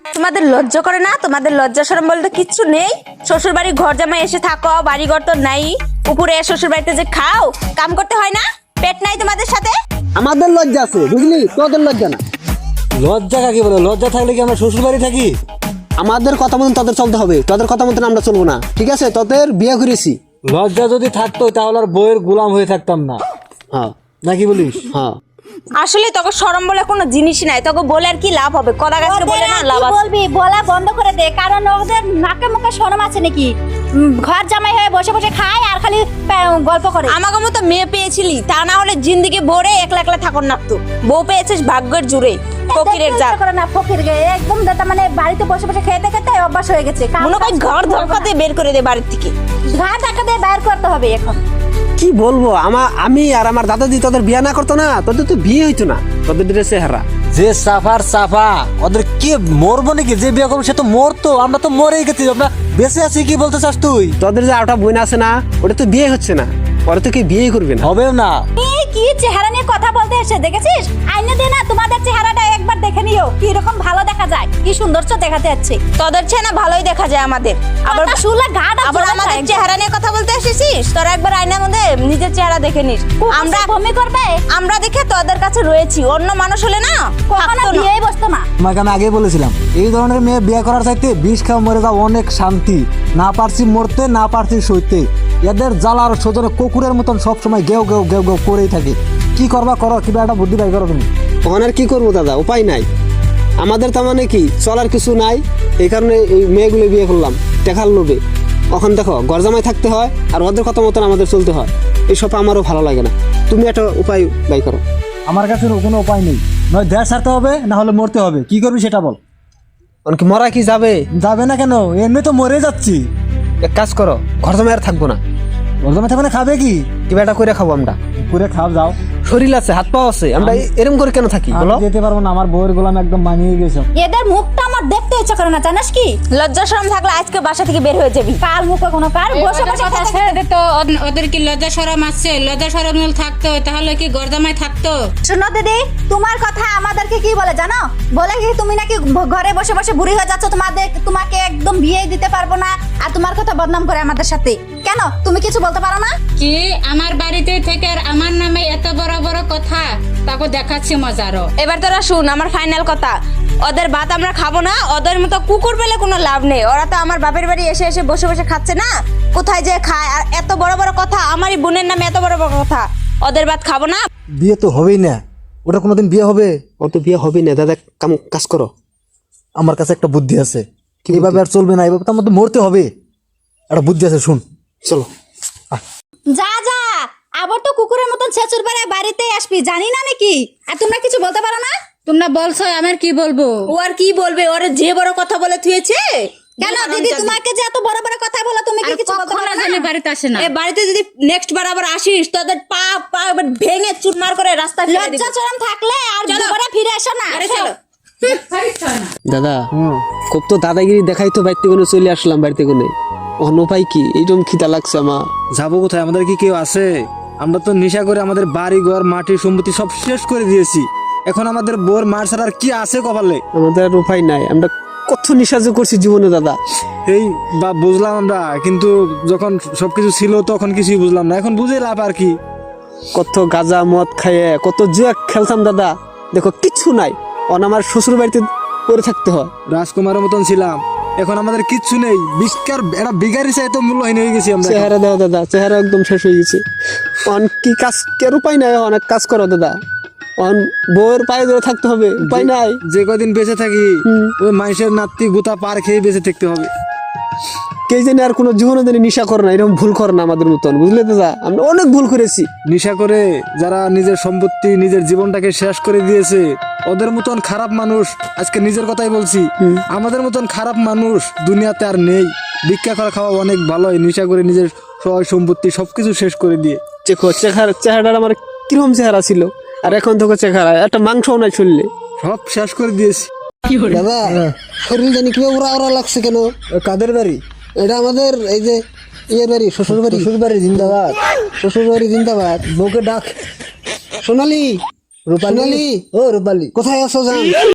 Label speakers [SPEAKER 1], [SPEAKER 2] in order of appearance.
[SPEAKER 1] তোমাদের লজ্জা করে না? তোমাদের লজ্জা শরম বলতে কিচ্ছু নেই? শ্বশুর বাড়ি ঘর জামাই এসে থাকো, বাড়ি ঘর তো নাই, উপরে শ্বশুর বাড়িতে যে খাও, কাম করতে হয় না? পেট নাই তোমাদের সাথে?
[SPEAKER 2] আমাদের লজ্জা আছে বুঝলি, তোদের লজ্জা না।
[SPEAKER 3] লজ্জা কাকে বলে? লজ্জা থাকলে কি আমরা শ্বশুর বাড়ি থাকি?
[SPEAKER 2] আমাদের কথা মতন তোদের চলতে হবে, তোদের কথা মতন আমরা চলবো না, ঠিক আছে? তোদের বিয়ে করেছি।
[SPEAKER 3] লজ্জা যদি থাকতো তাহলে আর বইয়ের গোলাম হয়ে থাকতাম না,
[SPEAKER 2] হ্যাঁ
[SPEAKER 3] নাকি বলিস?
[SPEAKER 2] হ্যাঁ,
[SPEAKER 1] আসলে তোকে শরম বলে কোনো জিনিসই নাই, তোকে বলে আর কি লাভ হবে? কদা গাছকে বলে না লাভ আছে?
[SPEAKER 4] বলবি বলা বন্ধ করে দে, কারণ ওদের নাকে মুখে শরম আছে নাকি? ঘর জামাই হয়ে বসে বসে খায় আর খালি গল্প করে।
[SPEAKER 1] আমাকে মতো মেয়ে পেয়েছিলি, তা না হলে জিন্দিগি ভরে একলা একলা থাকুন না। তো বউ পেয়েছিস ভাগ্যের জুড়ে, ফকিরের জাত।
[SPEAKER 4] করে না ফকির গে একদম দাদা, মানে বাড়িতে বসে বসে খেতে খেতে অভ্যাস হয়ে গেছে।
[SPEAKER 1] মনে হয় ঘর ধক্কা দিয়ে বের করে দে বাড়ির থেকে।
[SPEAKER 4] ঘর ধাক্কা দিয়ে বের করতে হবে এখন।
[SPEAKER 2] কি বলবো, আমি আর আমার দাদাজি তোদের বিয়ে না করতো না, তোদের তো বিয়ে হইতো না। তোদের ড্রেসে হারা
[SPEAKER 3] যে সাফার সাফা, ওদের কে মরবো নাকি? যে বিয়ে করবো সে তো মরতো, আমরা তো মরেই গেছি, আমরা বেঁচে আছি। কি বলতে চাস তুই?
[SPEAKER 2] তোদের যে আটা বোন আছে না, ওটা তো বিয়ে হচ্ছে না, ওরা তো কি বিয়ে করবে না।
[SPEAKER 3] হবেও না।
[SPEAKER 4] এই কি চেহারা নিয়ে কথা বলতে এসে দেখেছিস? আইনে দে না, তোমাদের চেহারাটা একবার দেখে নিও, কি রকম ভালো দেখা যায়, কি সৌন্দর্য দেখাতে যাচ্ছে।
[SPEAKER 1] তোদের চেয়ে না ভালোই দেখা যায় আমাদের। আবার
[SPEAKER 4] কথা শুনলে গাটা
[SPEAKER 1] আবার আমাদের চেহারা নিয়ে কথা বলতে এসেছিস? তোরা একবার আয়নার মধ্যে নিজের চেহারা দেখে নিস। আমরা
[SPEAKER 4] ভূমি করবে,
[SPEAKER 1] আমরা দেখে তোদের কাছে রয়েছি, অন্য মানুষ হলে না
[SPEAKER 4] কখনো
[SPEAKER 1] থাকতো না।
[SPEAKER 4] বিয়েই বসতো না।
[SPEAKER 3] তোমাকে আমি আগে বলেছিলাম, এই ধরনের মেয়ে বিয়ে করার চাইতে বিষ খাওয়া মরে যাওয়া অনেক শান্তি। না পারছি মরতে, না পারছি সইতে। এদের জ্বালার সোজনে কুকুরের মতন সবসময় গেউ গেউ গেউ গেউ করেই থাকে। কি করবা করো, কিবা একটা বুদ্ধি বাই করো তুমি।
[SPEAKER 2] ওখানে আর কি করবো দাদা, উপায় নাই আমাদের। তার মানে কি চলার কিছু নাই, এই কারণে এই মেয়েগুলো বিয়ে করলাম টেকার লোভে। ওখানে দেখো ঘর জামাই থাকতে হয় আর ওদের কথা মতন আমাদের চলতে হয়, এইসব আমারও ভালো লাগে না। তুমি একটা উপায় বাই করো।
[SPEAKER 3] আমার কাছে কোনো উপায় নেই, নয় দেশ ছাড়তে হবে, না হলে মরতে হবে। কি করবি সেটা বল।
[SPEAKER 2] অনেক মরা কি যাবে?
[SPEAKER 3] যাবে না কেন? এমনি তো মরে যাচ্ছি।
[SPEAKER 2] এক কাজ করো, ঘর জামাই আর থাকবো না।
[SPEAKER 3] বলতে থাকবে খাবে কি?
[SPEAKER 2] কিবা একটা করে খাবো আমরা।
[SPEAKER 3] করে খাও যাও,
[SPEAKER 2] শরীর আছে, হাত পা আছে, আমরা এরকম করে কেন থাকি
[SPEAKER 3] আমি
[SPEAKER 2] বলো?
[SPEAKER 3] যেতে পারবো না, আমার বউয়ের গোলাম একদম মানিয়ে গেছে।
[SPEAKER 4] এদের মুখটা আমার দেখতে ইচ্ছা করে না, জানিস কি?
[SPEAKER 1] লজ্জা শরম থাকলে আজকে বাসা থেকে বের হয়ে যাবি।
[SPEAKER 4] কার মুখে কোনো কার বসে বসে
[SPEAKER 5] কথা
[SPEAKER 4] খেতে
[SPEAKER 5] ছেড়ে দে তো। ওদের কি লজ্জা শরম আছে? লজ্জা শরম থাকতো তাহলে কি গরদামায় থাকতো?
[SPEAKER 4] শোনো দিদি, তোমার কথা আমাদেরকে কি বলে জানো? বলে কি তুমি নাকি ঘরে বসে বসে বুড়ি হয়ে যাচ্ছ, তোমাকে একদম বিয়ে দিতে পারবো না, আর তোমার কথা বদনাম করে আমাদের সাথে। কেন তুমি কিছু বলতে পারো না?
[SPEAKER 5] কি আমার বাড়িতে থেকে আর আমার নামে এত বড় বড় কথা? তাকে দেখাচ্ছি মজারও।
[SPEAKER 1] এবার তোরা শুন আমার ফাইনাল কথা, ওদের ভাত আমরা খাবো না। ওদের মতো কুকুর পেলে কোনো লাভ নেই। ওরা তো আমার বাপের বাড়ি এসে এসে বসে বসে খাচ্ছে না, কোথায় যে খায়। আর এত বড় বড় কথা, আমারই বোনের নামে এত বড় বড় কথা। ওদের ভাত খাবো না।
[SPEAKER 3] বিয়ে তো হবেই না, ওটা কোনোদিন বিয়ে হবে?
[SPEAKER 2] ওর তো বিয়ে হবে না দাদা, কাজ করো।
[SPEAKER 3] আমার কাছে একটা বুদ্ধি আছে, এইভাবে আর চলবে না, এইভাবে তো আমাদের মরতে হবে। একটা বুদ্ধি আছে, শুন।
[SPEAKER 2] চলো
[SPEAKER 4] যা যা, আবার তো কুকুরের মতন ছেচুর বেড়ে বাড়িতেই আসবি, জানি না নাকি? আর তোমরা কিছু বলতে পারো না?
[SPEAKER 5] তোমরা বলছো, আমার কি বলবো?
[SPEAKER 1] ও আর কি বলবে? ওরা যে বড় কথা বলে থুয়েছে।
[SPEAKER 4] কেন দিদি, তোমাকে যে এত বড় বড় কথা বলো, তুমি কি কিছু বলতে পারো না?
[SPEAKER 5] জানি বাড়িতে আসে না।
[SPEAKER 1] এ বাড়িতে যদি নেক্সট বার আবার আসিস, তোদের পা পা এবার ভেঙে চুরমার করে রাস্তায় ফেলে দিব।
[SPEAKER 4] লজ্জা শরম থাকলে আর দুবারে ফিরে এসো না।
[SPEAKER 1] চলো।
[SPEAKER 2] দাদা, খুব তো দাদাগিরি দেখাই তো বাড়িতে কোনো চলে আসলাম। বাড়িতে কোনো অন্য উপায় কি? এইরকম খিদা লাগছে আমার।
[SPEAKER 3] যাবো কোথায়? আমাদের কি কেউ আছে? আমরা তো নেশা করে আমাদের বাড়ি ঘর মাটি সম্পত্তি সব শেষ করে দিয়েছি। এখন আমাদের বোর মার ছাড়া আর কি আছে কপালে?
[SPEAKER 2] আমাদের আর উপায় নাই, আমরা কত নিঃসাহায্য করছি জীবনে দাদা।
[SPEAKER 3] এই বা বুঝলাম আমরা, কিন্তু যখন সবকিছু ছিল তখন কিছুই বুঝলাম না, এখন বুঝে লাভ আর কি?
[SPEAKER 2] কত গাঁজা মদ খাইয়ে কত জুয়া খেলতাম দাদা, দেখো কিচ্ছু নাই। অন আমার শ্বশুর বাড়িতে পড়ে থাকতে হয়।
[SPEAKER 3] রাজকুমারের মতন ছিলাম, এখন আমাদের কিচ্ছু নেই। বিস্কার একটা বিঘারি চাই তো মূল্যহীন হয়ে গেছি আমরা।
[SPEAKER 2] চেহারা দাও দাদা, চেহারা একদম শেষ হয়ে গেছে। অন কি কাজ, কের উপায় নাই। অনেক কাজ করো দাদা, অন বউয়ের পায়ে ধরে থাকতে হবে, উপায় নাই।
[SPEAKER 3] যে কদিন বেঁচে থাকি ওই মানুষের নাতি গুতা পার খেয়ে বেঁচে থাকতে হবে।
[SPEAKER 2] কে জানে আর কোনো জীবনে জানি নিশা করে না, এরকম ভুল করে না আমাদের মতন, বুঝলে দাদা? আমরা অনেক ভুল করেছি।
[SPEAKER 3] নেশা করে যারা নিজের সম্পত্তি নিজের জীবনটাকে শেষ করে দিয়েছে, ওদের মতন খারাপ মানুষ, আজকে নিজের কথাই বলছি, আমাদের মতন খারাপ মানুষ দুনিয়াতে আর নেই। ভিক্ষা করা খাওয়া অনেক ভালোই, নেশা করে নিজের সয় সম্পত্তি সবকিছু শেষ করে দিয়ে।
[SPEAKER 2] দেখো চেহারাটা আমার কিরকম চেহারা ছিল, আর এখন দেখো চেহারা একটা মাংসও নাই চললে,
[SPEAKER 3] সব শেষ করে দিয়েছি।
[SPEAKER 2] দাদা শরীর জানি কিভাবে ওরা ওরা লাগছে কেন?
[SPEAKER 3] কাদের বাড়ি
[SPEAKER 2] এটা? আমাদের এই যে ইয়ের বাড়ি, শ্বশুর বাড়ি।
[SPEAKER 3] শ্বশুর বাড়ি জিন্দাবাদ,
[SPEAKER 2] শ্বশুর বাড়ি জিন্দাবাদ।
[SPEAKER 3] বউকে ডাক।
[SPEAKER 2] সোনালি,
[SPEAKER 3] রূপালী,
[SPEAKER 2] সোনালি,
[SPEAKER 3] ও রূপালী
[SPEAKER 2] কোথায় আছো জান?